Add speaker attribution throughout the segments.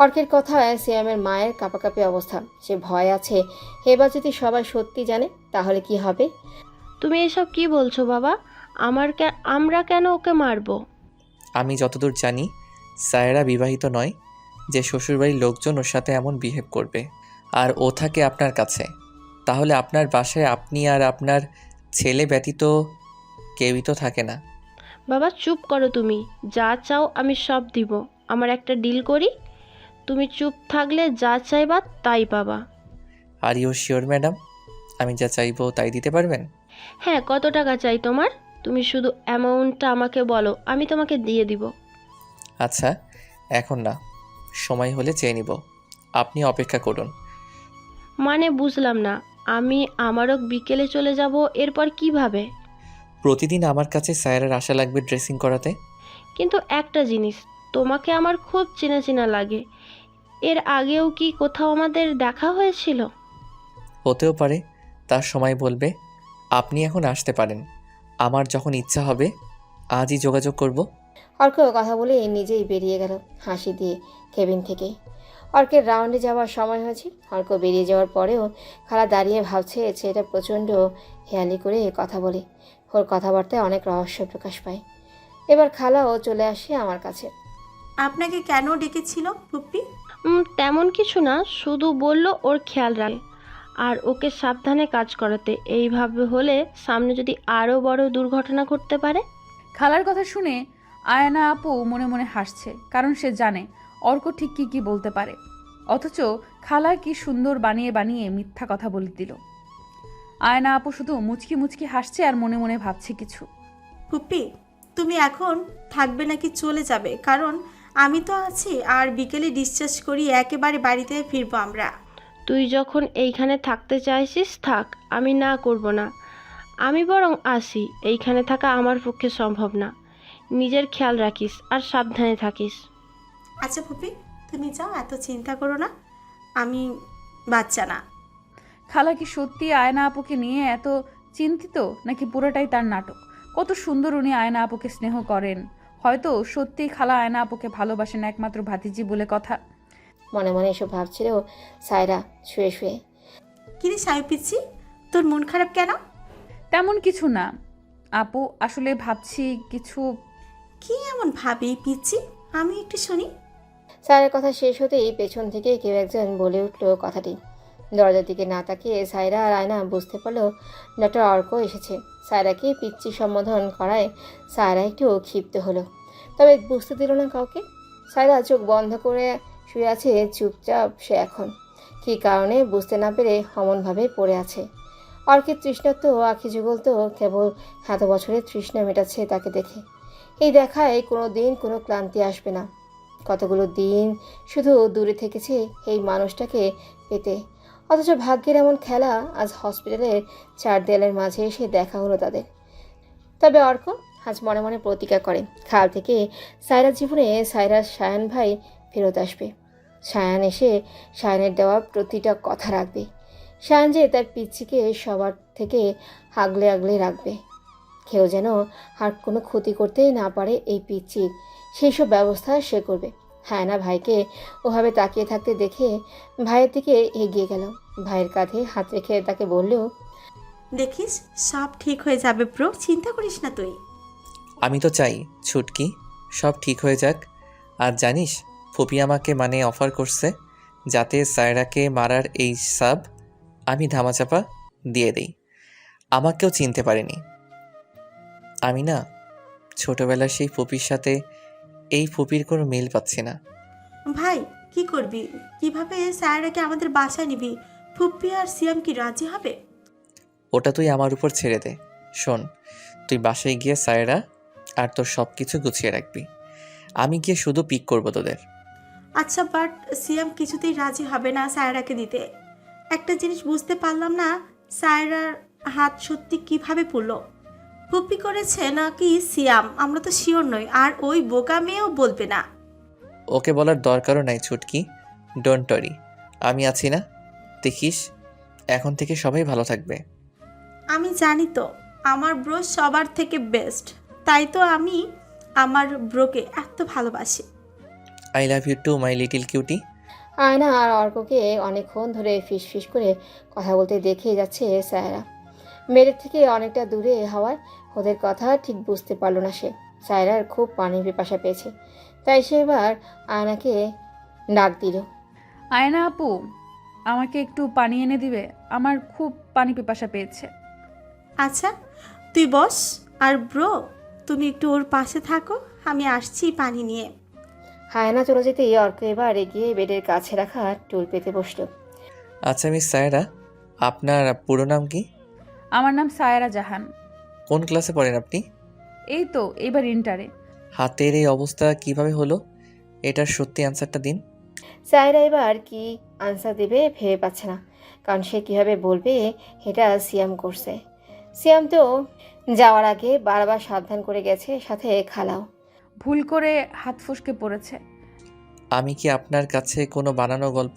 Speaker 1: অর্কের কথায় সিয়ামের মায়ের কাঁপাকাঁপি অবস্থা। সে ভয় আছে, এবার যদি সবাই সত্যি জানে তাহলে কি হবে।
Speaker 2: তুমি এসব কি বলছো বাবা? আমরা কেন ওকে মারবো?
Speaker 3: আমি যতদূর জানি সায়রা বিবাহিত নয় যে শ্বশুরবাড়ির লোকজন ওর সাথে এমন বিহেভ করবে। আর ও থাকে আপনার কাছে। তাহলে আপনার বাসায় আপনি আর আপনার ছেলে ব্যতীত কেউই তো থাকে না।
Speaker 2: বাবা চুপ করো তুমি। যা চাও আমি সব দিব। আমার একটা ডিল করি, তুমি চুপ থাকলে যা চাইবা তাই পাবা।
Speaker 3: আর ইউ শিওর ম্যাডাম, আমি যা চাইবো তাই দিতে পারবেন?
Speaker 2: হ্যাঁ, কত টাকা চাই তোমার? তুমি শুধু অ্যামাউন্টটা আমাকে বলো, আমি তোমাকে দিয়ে দিব।
Speaker 3: আচ্ছা, এখন না, সময় হলে চেয়ে নিব। আপনি অপেক্ষা করুন।
Speaker 2: মানে বুঝলাম না। আমি আমারও বিকেলে চলে যাব, এরপর কিভাবে?
Speaker 3: প্রতিদিন আমার কাছে সায়রার আশা লাগবে ড্রেসিং করাতে।
Speaker 2: কিন্তু একটা জিনিস, তোমাকে আমার খুব চেনা চেনা লাগে। এর আগেও কি কোথাও আমাদের দেখা হয়েছিল?
Speaker 3: হতেও পারে, তার সময় বলবে। আপনি এখন আসতে পারেন। আমার যখন ইচ্ছা হবে আজই যোগাযোগ করব।
Speaker 1: অর্ক কথা বলে নিজেই বেরিয়ে গেল হাসি দিয়ে কেবিন থেকে। অর্কের রাউন্ডে যাওয়ার সময় হয়েছে। অর্ক বেরিয়ে যাওয়ার পরেও খালা দাঁড়িয়ে ভাবছে ছেলেটা প্রচণ্ড হেয়ালি করে কথা বলে। ওর কথাবার্তায় অনেক রহস্য প্রকাশ পায়। এবার খালাও চলে আসে আমার কাছে।
Speaker 4: আপনাকে কেন ডেকেছিল পুপ্পি?
Speaker 2: তেমন কিছু না, শুধু বলল ওর খেয়াল রাখে আর ওকে সাবধানে কাজ করাতে। এইভাবে হলে সামনে যদি আরও বড় দুর্ঘটনা ঘটতে পারে।
Speaker 5: খালার কথা শুনে আয়না আপু মনে মনে হাসছে, কারণ সে জানে অর্ক ঠিক কি বলতে পারে। অথচ খালা কি সুন্দর বানিয়ে বানিয়ে মিথ্যা কথা বলে দিল। আয়না আপু শুধু মুচকি মুচকি হাসছে আর মনে মনে ভাবছে কিছু।
Speaker 4: পুপ্পি, তুমি এখন থাকবে নাকি চলে যাবে? কারণ আমি তো আছি, আর বিকেলে ডিসচার্জ করি একেবারে বাড়িতে ফিরবো আমরা।
Speaker 2: তুই যখন এইখানে থাকতে চাইছিস থাক, আমি না করব না। আমি বরং আসি, এইখানে থাকা আমার পক্ষে সম্ভব না। নিজের খেয়াল রাখিস আর সাবধানে থাকিস।
Speaker 4: আচ্ছা পুপ্পি, তুমি যাও, এত চিন্তা করো না। আমি বাচ্চা না।
Speaker 5: খালা কি সত্যি আয়না আপুকে নিয়ে এত চিন্তিত, নাকি পুরোটাই তার নাটক? কত সুন্দর উনি আয়না আপুকে স্নেহ করেন। হয়তো সত্যিই খালা আয়না আপুকে ভালোবাসেন একমাত্র ভাতিজি বলে কথা।
Speaker 1: মনে মনে এসব ভাবছিল সায়রা শুয়ে শুয়ে।
Speaker 4: কিরে সাহেব পিচ্ছি, তোর মন খারাপ কেন?
Speaker 5: তেমন কিছু না আপু, আসলে ভাবছি কিছু।
Speaker 4: কি এমন ভাবি পিচ্ছি? আমি একটু শুনি।
Speaker 1: সায়রার কথা শেষ হতেই পেছন থেকে কেউ একজন বলে উঠল কথাটি। দরজার দিকে না তাকিয়ে সায়রা আর আয়না বুঝতে পারলো ডক্টর অর্ক এসেছে। সায়রাকে পিচ্চি সম্বোধন করায় সায়রা একটু ক্ষিপ্ত হলো, তবে বুঝতে দিল না কাউকে। সায়রা চোখ বন্ধ করে শুয়ে আছে চুপচাপ। সে এখন কী কারণে বুঝতে না পেরে অমনভাবে পড়ে আছে। অর্কের তৃষ্ণাত্ম আখি যুগল তো কেবল এত বছরের তৃষ্ণা মেটাচ্ছে তাকে দেখে। এই দেখায় কোনো দিন কোনো ক্লান্তি আসবে না। কতগুলো দিন শুধু দূরে থেকেছে এই মানুষটাকে পেতে, অথচ ভাগ্যের এমন খেলা, আজ হসপিটালের চার দেয়ালের মাঝে এসে দেখা হলো তাদের। তবে অর্ক আজ মনে মনে প্রতিজ্ঞা করে কাল থেকে সায়রার জীবনে সায়রার সায়ান ভাই ফেরত আসবে। সায়ান এসে সায়ানের দেওয়া প্রতিটা কথা রাখবে। সায়ান যে তার পিচ্ছিকে সবার থেকে আগলে আগলে রাখবে। কেউ যেন আর কোনো ক্ষতি করতেই না পারে এই পিচ্ছির, সেই সব ব্যবস্থা সে করবে। হ্যাঁ না, ভাইকে ওভাবে তাকিয়ে থাকতে দেখে ভাইয়ের দিকে এগিয়ে গেল। ভাইয়ের কাঁধে হাত রেখে তাকে বললেও,
Speaker 4: দেখিস সব ঠিক হয়ে যাবে ব্রো, চিন্তা করিস না তুই।
Speaker 3: আমি তো চাই ছুটকি সব ঠিক হয়ে যাক। আর জানিস, ফুপি আমাকে অফার করছে যাতে সায়রাকে মারার এই সাব আমি ধামাচাপা দিয়ে দেই। আমাকেও চিনতে পারেনি। আমি না ছোটবেলার সেই ফুপির সাথে এই ফুপির কোনো মিল পাচ্ছি না।
Speaker 4: ভাই কি করবি? কিভাবে স্যারকে আমাদের বাসায় নিবি? ফুপ্পি আর সিয়াম কি রাজি হবে?
Speaker 3: ওটা তুই আমার উপর ছেড়ে দে। শোন, তুই বাসায় গিয়ে সায়রা আর তোর সব কিছু গুছিয়ে রাখবি। আমি গিয়ে শুধু পিক করবো তোদের।
Speaker 4: আচ্ছা, বাট সিয়াম কিছুতেই রাজি হবে না সায়রাকে দিতে। একটা জিনিস বুঝতে পারলাম না, সায়রার হাত সত্যি কিভাবে পড়লো? ফুপ্পি করেছে নাকি সিয়াম, আমরা তো শিওর নই। আর ওই বোকা মেয়েও বলবে না।
Speaker 3: ওকে বলার দরকারও নাই ছুটকি, ডোন্ট ওয়ারি, আমি আছি না। দেখিস এখন থেকে সবাই ভালো থাকবে।
Speaker 4: আমি জানি তো, আমার ব্রো সবার থেকে বেস্ট। তাই তো আমি আমার ব্রোকে এত ভালোবাসি।
Speaker 3: I love you too my little cutie.
Speaker 1: Ayna আর অর্ককে অনেকক্ষণ ধরে ফিস করে কথা বলতে দেখে যাচ্ছে সায়রা। মেয়েদের থেকে অনেকটা দূরে হওয়ায় ওদের কথা ঠিক বুঝতে পারল না সে। সায়রার খুব পানির পিপাসা পেয়েছে, তাই সে এবার আয়নাকে ডাক দিল।
Speaker 5: আয়না আপু, আমাকে একটু পানি এনে দিবে? আমার খুব পানি পিপাসা পেয়েছে।
Speaker 4: আচ্ছা, তুই বস। আর ব্রো, তুমি একটু ওর পাশে থাকো, আমি আসছি পানি নিয়ে।
Speaker 1: আয়না চলে যেতেই অর্ক এবার এগিয়ে বেডের কাছে রাখা টুল পেতে বসলো।
Speaker 3: আচ্ছা মিস সায়রা, আপনার পুরো নাম কি?
Speaker 5: আমার নাম সায়রা জাহান।
Speaker 3: কোন ক্লাসে পড়েন আপনি?
Speaker 5: এই তো এবার ইন্টারে।
Speaker 3: হাতের এই অবস্থা কিভাবে হলো? এটার সত্যি অ্যান্সারটা দিন।
Speaker 1: সায়রা এবার কি আনসার দেবে ভেবে পাচ্ছে না, কারণ সে কীভাবে বলবে এটা সিয়াম করছে। সিয়াম তো যাওয়ার আগে বারবার সাবধান করে গেছে, সাথে খালাও।
Speaker 5: ভুল করে হাত ফসকে পড়েছে।
Speaker 3: আমি কি আপনার কাছে কোনো বানানো গল্প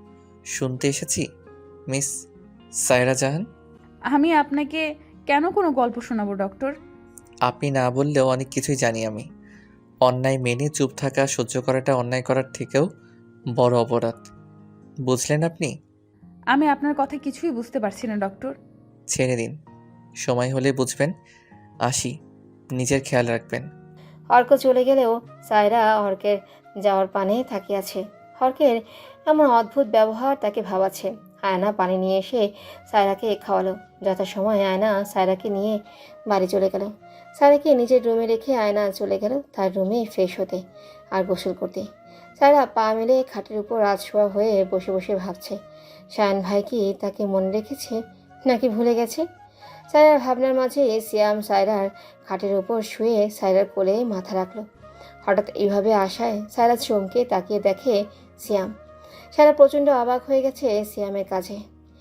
Speaker 3: শুনতে এসেছি মিস সায়রা জাহান?
Speaker 5: আমি আপনাকে কেন কোনো গল্প শোনাবো ডক্টর?
Speaker 3: আপনি না বললেও অনেক কিছুই জানি আমি। অন্যায় মেনে চুপ থাকা সহ্য করাটা অন্যায় করার থেকেও বড় অপরাধ, বুঝলেন আপনি?
Speaker 5: আমি আপনার কথা কিছুই বুঝতে পারছি না ডক্টর।
Speaker 3: ছেড়ে দিন, সময় হলে বুঝবেন। আসি, নিজের খেয়াল রাখবেন।
Speaker 1: অর্ক চলে গেলেও সায়রা অর্কের যাওয়ার পানে তাকিয়ে আছে। অর্কের এমন অদ্ভুত ব্যবহার তাকে ভাবাচ্ছে। আয়না পানি নিয়ে এসে সায়রাকে খাওয়ালো। যথাসময়ে আয়না সায়রাকে নিয়ে বাড়ি চলে গেল। সায়রাকে নিজের রুমে রেখে আয়না চলে গেল তার রুমে ফ্রেশ হতে আর গোসল করতে। সায়রা পা মেলে খাটের উপর রাতশোয়া হয়ে বসে বসে ভাবছে, শায়ান ভাই কি তাকে মনে রেখেছে নাকি ভুলে গেছে। সায়রার ভাবনার মাঝে সিয়াম সায়রার খাটের উপর শুয়ে সায়রার কোলে মাথা রাখলো। হঠাৎ এইভাবে আসায় সায়রা চমকে তাকিয়ে দেখে সিয়াম। সায়রা প্রচণ্ড অবাক হয়ে গেছে সিয়ামের কাজে।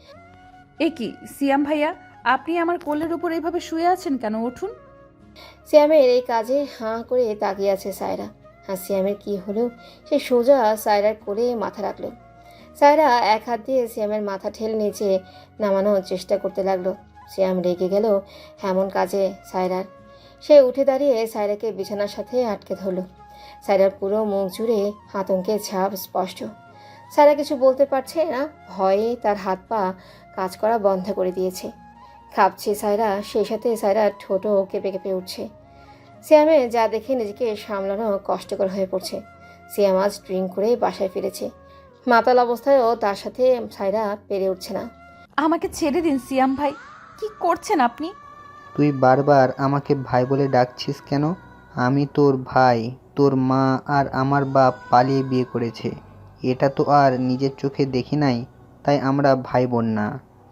Speaker 5: এ কি সিয়াম ভাইয়া, আপনি আমার কোলের উপর এইভাবে শুয়ে আছেন কেন? উঠুন।
Speaker 1: সিয়ামের এই কাজে হাঁ করে তাকিয়ে আছে সায়রা। আর সিয়ামের কি হলো, সে সোজা সায়রার কোলে মাথা রাখলো। সায়রা এক হাত দিয়ে সিয়ামের মাথা ঠেলে নিচে নামানোর চেষ্টা করতে লাগলো। সিয়াম রেগে গেল এমন কাজে সায়রার। সে উঠে দাঁড়িয়ে সায়রাকে বিছানার সাথে আটকে ধরল। সায়রার পুরো মুখ জুড়ে আতঙ্কের ছাপ স্পষ্ট। সায়রা কিছু বলতে পারছে না, ভয়ে তার হাত পা কাজ করা বন্ধ করে দিয়েছে। কাঁপছে সায়রা, সেই সাথে সায়রার ঠোঁটও কেঁপে কেঁপে উঠছে। সিয়ামে যা দেখে নিজেকে সামলানো কষ্টকর হয়ে পড়ছে। সিয়াম আজ ড্রিঙ্ক করে বাসায় ফিরেছে। মাতাল অবস্থায়ও তার সাথে সায়রা পেরে উঠছে না।
Speaker 5: আমাকে ছেড়ে দিন সিয়াম ভাই, কি করছেন আপনি?
Speaker 6: তুই বারবার আমাকে ভাই বলে ডাকছিস কেন? আমি তোর ভাই। তোর মা আর আমার বাপ পালিয়ে বিয়ে করেছে, এটা তো আর নিজের চোখে দেখি নাই, তাই আমরা ভাই বোন না।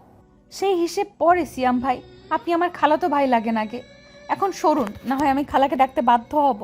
Speaker 5: সেই হিসেব পরে সিয়াম ভাই, আপনি আমার খালাতো ভাই লাগেন আগে। এখন সরুন, না হয় আমি খালাকে ডাকতে বাধ্য হব।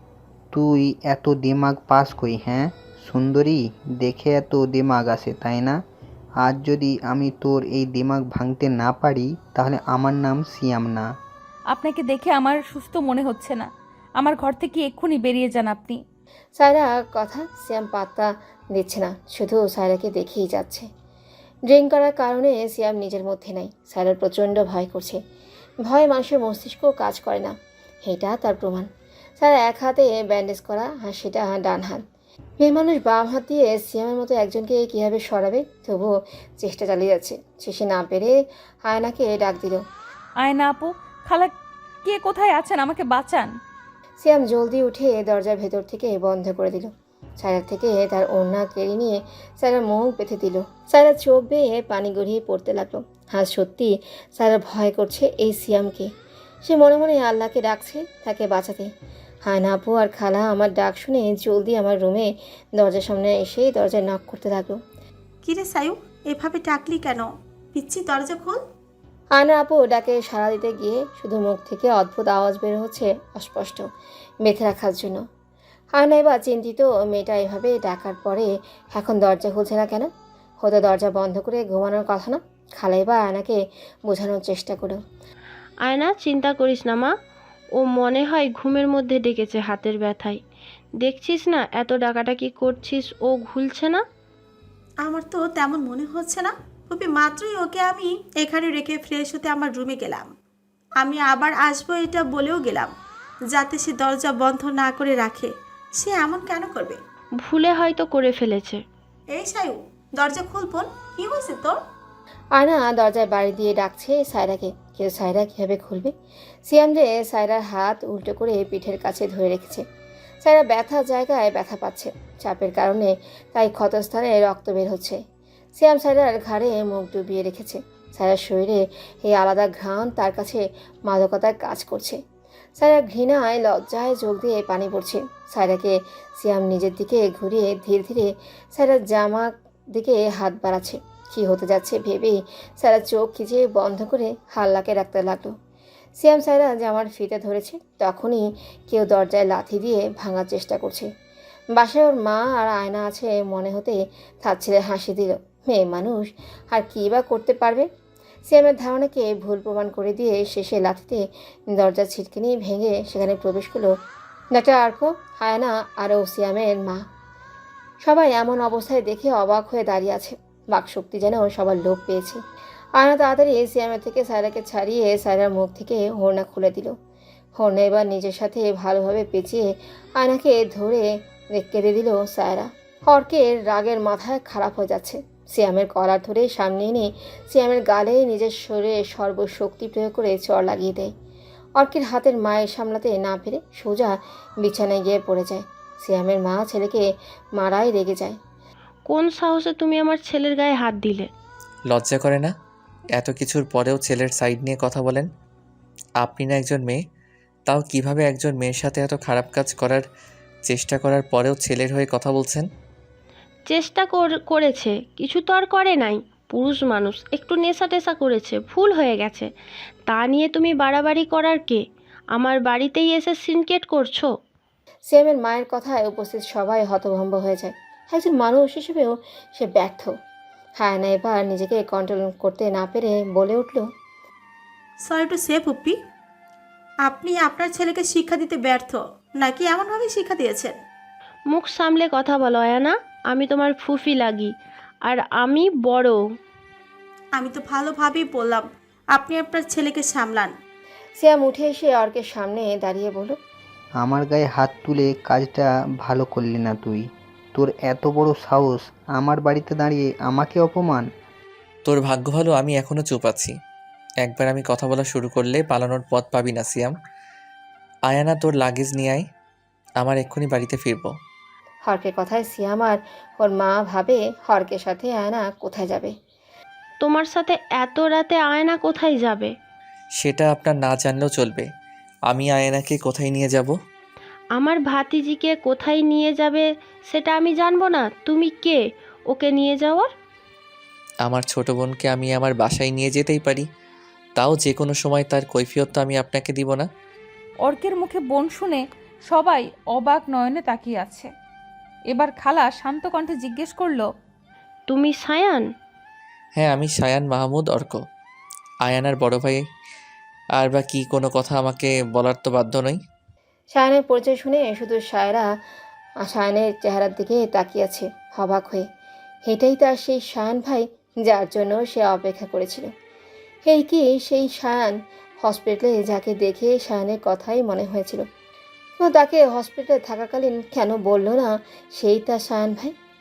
Speaker 6: তুই এত দিমাগ পাস কই? হ্যাঁ সুন্দরী, দেখে এত দিমাগ আসে তাই না? আজ যদি আমি তোর এই দিমাগ ভাঙতে না পারি তাহলে আমার নাম সিয়াম না।
Speaker 5: আপনাকে দেখে আমার সুস্থ মনে হচ্ছে না। আমার ঘর থেকে এক্ষুনি বেরিয়ে যান আপনি।
Speaker 1: সায়রা কথা সিয়াম পাত্তা দিচ্ছে না, শুধু সায়রাকে দেখেই যাচ্ছে। ড্রিঙ্ক করার কারণে সিয়াম নিজের মধ্যে নাই। সায়রার প্রচণ্ড ভয় করছে। ভয় মানুষের মস্তিষ্ক কাজ করে না, এটা তার প্রমাণ। সায়রা এক হাতে ব্যান্ডেজ করা আর সেটা ডান হাত। মেয়ে মানুষ বাম হাত দিয়ে সিয়ামের মতো একজনকে কীভাবে সরাবে, তবুও চেষ্টা চালিয়ে যাচ্ছে। শেষে না পেরে আয়নাকে ডাক দিল।
Speaker 5: আয়না আপু, খালা কে কোথায় আছেন? আমাকে বাঁচান।
Speaker 1: সিয়াম জলদি উঠে দরজার ভেতর থেকে বন্ধ করে দিল। সায়রার থেকে তার ওড়না কেড়ে নিয়ে সায়রার মুখ বেঁধে দিল। সায়রার চোখ বেয়ে পানি গড়িয়ে পড়তে লাগলো। আজ সত্যি সায়রা ভয় করছে এই সিয়ামকে। সে মনে মনে আল্লাহকে ডাকছে তাকে বাঁচাতে। হায়না আপু আর খালা আমার ডাক শুনে জলদি আমার রুমে দরজার সামনে এসে দরজায় নক করতে লাগলো।
Speaker 4: কিরে সায়ু, এভাবে ডাকলি কেন? পিচ্ছি, দরজা খোল।
Speaker 1: আয়না আপু ডাকে সাড়া দিতে গিয়ে শুধু মুখ থেকে অদ্ভুত আওয়াজ বের হচ্ছে, অস্পষ্ট, বেঁধে রাখার জন্য। আয়না এবার চিন্তিত, মেয়েটা এভাবে ডাকার পরে এখন দরজা খুলছে না কেন? হয়তো দরজা বন্ধ করে ঘুমানোর কথা না। খালা এবার আয়নাকে বোঝানোর চেষ্টা করো।
Speaker 2: আয়না, চিন্তা করিস না মা, ও মনে হয় ঘুমের মধ্যে ডেকেছে হাতের ব্যথায়। দেখছিস না এত ডাকাডাকি করছিস, ও ঘুলছে না।
Speaker 4: আমার তো তেমন মনে হচ্ছে না। খুবই মাত্রই ওকে আমি এখানে রেখে ফ্রেশ হতে আমার রুমে গেলাম। আমি আবার আসবো এটা বলেও গেলাম, যাতে সে দরজা বন্ধ না করে রাখে। সে এমন কেন করবে?
Speaker 2: ভুলে হয়তো করে ফেলেছে।
Speaker 4: এই সায়ু, দরজা খুল বোন, কি হয়েছে তোর?
Speaker 1: আয়না দরজায় বাড়ি দিয়ে ডাকছে সায়রাকে, কিন্তু সায়রা কীভাবে খুলবে? সিয়াম যে সায়রার হাত উল্টো করে পিঠের কাছে ধরে রেখেছে। সায়রা ব্যথা জায়গায় ব্যথা পাচ্ছে, চাপের কারণে তাই ক্ষতস্থানে রক্ত বের হচ্ছে। সিয়াম সায়রার ঘাড়ে মুখ ডুবিয়ে রেখেছে। সায়রার শরীরে এই আলাদা ঘ্রাণ তার কাছে মাদকতার কাজ করছে। সায়রা ঘৃণায় লজ্জায় যোগ দিয়ে পানি পড়ছে। সায়রাকে সিয়াম নিজের দিকে ঘুরিয়ে ধীরে ধীরে সায়রার জামা দিকে হাত বাড়াচ্ছে। কী হতে যাচ্ছে ভেবেই সায়রা চোখ খিচে বন্ধ করে হাল্লাকে রাখতে লাগলো। সিয়াম সায়রা জামার ফিতে ধরেছে, তখনই কেউ দরজায় লাথি দিয়ে ভাঙার চেষ্টা করছে। বাসায় ওর মা আর আয়না আছে মনে হতে তার ছেলে হাসি দিল। মেয়ে মানুষ আর কী বা করতে পারবে? সিয়ামের ধারণাকে ভুল প্রমাণ করে দিয়ে শেষে লাথিতে দরজা ছিটকিনি ভেঙে সেখানে প্রবেশ করলো ডাক্তার আর্ক, আয়না আর ও সিয়ামের মা। সবাই এমন অবস্থায় দেখে অবাক হয়ে দাঁড়িয়ে আছে। বাকশক্তি যেন সবার লোভ পেয়েছে। আয়না তাড়াতাড়ি সিয়ামের থেকে সায়রাকে ছাড়িয়ে সায়রার মুখ থেকে হোরনা খুলে দিল। হোরনা এবার নিজের সাথে ভালোভাবে পেঁচিয়ে আয়নাকে ধরে কেঁদে দিল সায়রা। অর্কের রাগের মাথায় খারাপ হয়ে যাচ্ছে। সিয়ামের কলার ধরে সামনে এনে সিয়ামের গালে নিজের শরীরে সর্বশক্তি প্রয়োগ করে চড় লাগিয়ে দেয়। অর্কের হাতের মায়ের সামলাতে না পেরে সোজা বিছানায় গিয়ে পড়ে যায়। সিয়ামের মা ছেলেকে মারাই রেগে যায়।
Speaker 2: কোন সাহসে তুমি আমার ছেলের গায়ে হাত দিলে?
Speaker 3: লজ্জা করে না? এত কিছুর পরেও ছেলের সাইড নিয়ে কথা বলেন। আপনি না একজন মেয়ে, তাও কিভাবে একজন মেয়ের সাথে এত খারাপ কাজ করার চেষ্টা করার পরেও ছেলের হয়ে কথা বলছেন?
Speaker 2: চেষ্টা করেছে, কিছু তো আর করে নাই। পুরুষ মানুষ, একটু নেশা টেশা করেছে, ভুল হয়ে গেছে। তা নিয়ে তুমি বাড়াবাড়ি করার কে? আমার বাড়িতেই এসে সিনকেট করছো?
Speaker 1: সিয়ামের মায়ের কথায় উপস্থিত সবাই হতভম্ব হয়ে যায়। একজন মানুষ হিসেবেও সে ব্যর্থ। হায়না এবার নিজেকে কন্ট্রোল করতে না পেরে বলে উঠল,
Speaker 4: সরি টু সে পুপ্পি, আপনি আপনার ছেলেকে শিক্ষা দিতে ব্যর্থ, নাকি এমনভাবে শিক্ষা দিয়েছেন?
Speaker 2: মুখ সামলে কথা বলো আয়ানা, আমি তোমার ফুফি লাগি, আর আমি বড়।
Speaker 4: আমি তো ভালোভাবেই বললাম আপনি আপনার ছেলেকে সামলান।
Speaker 1: সিয়াম উঠে এসে অর্কের সামনে দাঁড়িয়ে বলল,
Speaker 6: আমার গায়ে হাত তুলে কাজটা ভালো করলি না তুই। তোর এত বড় সাহস, আমার বাড়িতে দাঁড়িয়ে আমাকে অপমান।
Speaker 3: তোর ভাগ্য ভালো আমি এখনও চুপ আছি। একবার আমি কথা বলা শুরু করলে পালানোর পথ পাবি না সিয়াম। আয়ানা, তোর লাগেজ নিয়ে আয়, আমার এক্ষুনি বাড়িতে ফিরবো।
Speaker 1: হর্কের কথায় সিয়াম আর ওর মা ভাবে হর্কের সাথে আয়না কোথায় যাবে।
Speaker 2: তোমার সাথে এত রাতে আয়না কোথায় যাবে?
Speaker 3: সেটা আপনার না জানলেও চলবে। আমি আয়ানাকে কোথায় নিয়ে যাব?
Speaker 2: আমার ভাতিজিকে কোথায় নিয়ে যাবে সেটা আমি জানবো না? তুমি কে ওকে নিয়ে যাওয়ার?
Speaker 3: আমার ছোট বোনকে আমি আমার বাসায় নিয়ে যেতেই পারি, তাও যে কোনো সময় তার কৈফিয়ত তো আমি আপনাকে দিব না।
Speaker 5: অর্কের মুখে বোন শুনে সবাই অবাক নয়নে তাকিয়ে আছে। এবার খালা শান্ত কণ্ঠে জিজ্ঞেস করলো,
Speaker 2: তুমি সায়ান?
Speaker 3: হ্যাঁ, আমি সায়ান মাহমুদ অর্ক, আয়ানার বড় ভাই। আর বা কি কোনো কথা আমাকে বলার তো বাধ্য নই।
Speaker 1: সায়নের পরিচয় শুনে শুধু সায়নের চেহারার দিকে তাকিয়ে আছে অবাক হয়ে। এটাই তার সেই সায়ন ভাই যার জন্য সে অপেক্ষা করেছিল। এই কি সেই সায়ন হসপিটালে যাকে দেখে সায়নের কথাই মনে হয়েছিল? ও তাকে হসপিটালে থাকাকালীন কেন বলল না সেই তার সায়ন ভাই?